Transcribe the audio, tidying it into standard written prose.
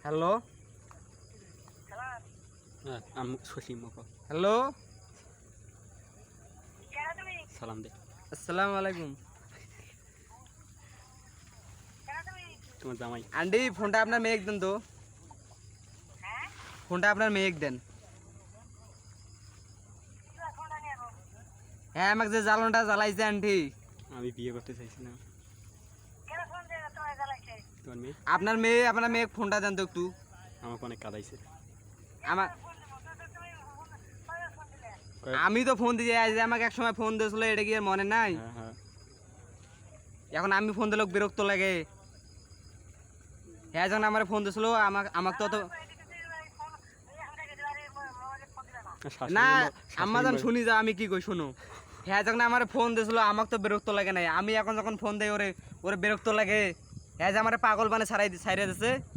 hello hello সালাম দে আসসালামু আলাইকুম তোমার জামাই আন্টি ফোনটা আপনার মেয়েক দেন তো ফোনটা আপনার মেয়েক দেন হ্যাঁ আমাকে যে জ্বালনটা জ্বালাইছে আন্টি আমি বিয়ে করতে চাইছি না তোমার মেয়ে আপনার মেয়ে ফোনটা দেন তো একটু আমাকে অনেক কাঁদাইছে আমার আমি তো ফোন দিয়ে আজ আমাকে এক সময় ফোন দিয়েছিল এটা কি আর মনে নাই হ্যাঁ হ্যাঁ এখন আমি ফোন দিলে বিরক্ত লাগে হ্যাঁ যখন আমার ফোন দিয়েছিল আমাকে তো না আম্মা যখন শুনি যা আমি কি কই শুনো হ্যাঁ যখন আমার ফোন দিয়েছিল আমাকে তো বিরক্ত লাগে নাই আমি এখন যখন ফোন দেই ওরে বিরক্ত লাগে হ্যাঁ যে আমার পাগল বানে ছাড়াই দিছে